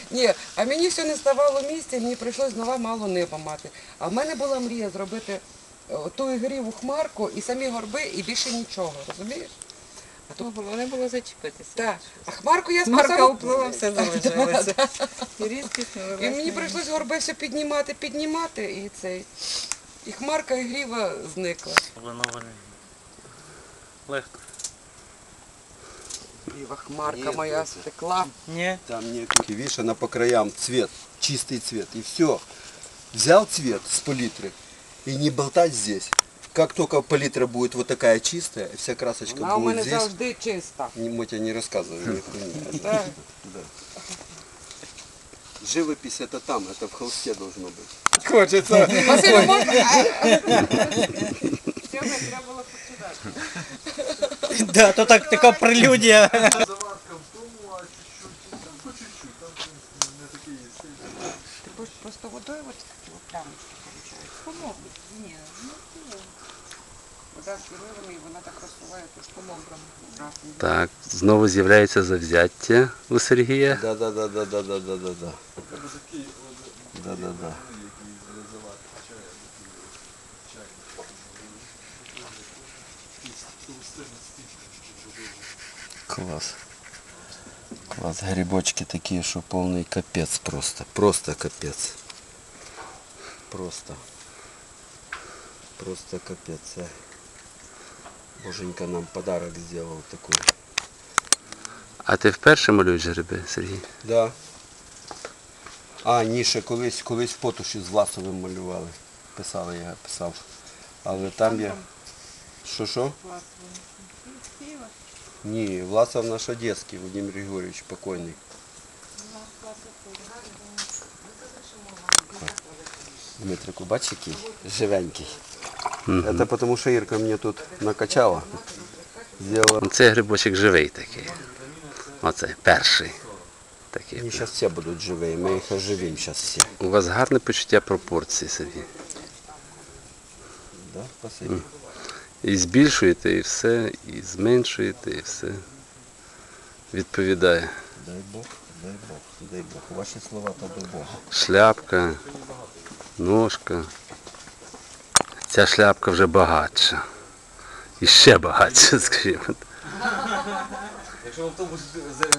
Ні, а мені все не ставало місця, мені прийшлось знову мало неба мати. А в мене була мрія зробити ту ігріву хмарку і самі горби, і більше нічого, розумієш? Головне було зачепитися. Так. А хмарку я Хмарка спасала. уплила, все залишилося. І різкість не І мені прийшлось горби все піднімати, і хмарка і гріва зникла. Воно легко. Гріва хмарка Ні, моя це- стекла. Ні. Там нет. Видишь, она по краям цвет, чистый цвет. И все. Взял цвет с палитры и не болтать здесь. Как только палитра будет вот такая чистая, вся красочка Вона у будет мене здесь. завжди чиста. Мы тебе не рассказываем ни хуйни. Так. Да. Живопись это там, это в холсте должно быть. Василю, можна? Да, то так така прелюдія. Заварка в тому, а чуть-чуть, там по чуть-чуть, там в принципі не такий сильний. Ти будеш просто водою ось такі плямочки получають. Помогуть. Ні, вода з виливами, і вона так розсуває, то ж помограми. Так, знову з'являється завзяття у Сергія. Да. Треба такий, Да. який заварка чаю, чайник. Класс. Класс. Грибочки такие, что полный капец просто. Просто капец. Просто. Просто капец. А. Боженька нам подарок сделал такой. А ти вперше малюєш гриби, Сергій? Да. А, Ніша колись в Потуші з Власовим малювали. Писали, я писав. Але там я... Що? Ні, Власов наш одеський, Володимир Григорьевич, покойний. Дмитрику, бачиш який? Живенький. Це тому, що Ірка мені тут накачала. Сделала. Цей грибочок живий такий. Оцей, перший. Такий. Вони зараз всі будуть живі, ми їх оживимо зараз всі. У вас гарне почуття пропорцій, Сергій. Да? Спасибо. І збільшуєте, і все, і зменшуєте, і все. Відповідає. Дай Бог, дай Бог, дай Бог. Ваші слова то до Бога. Шляпка, ножка. Ця шляпка вже багатша. І ще багатша, скажімо. Якщо в автобус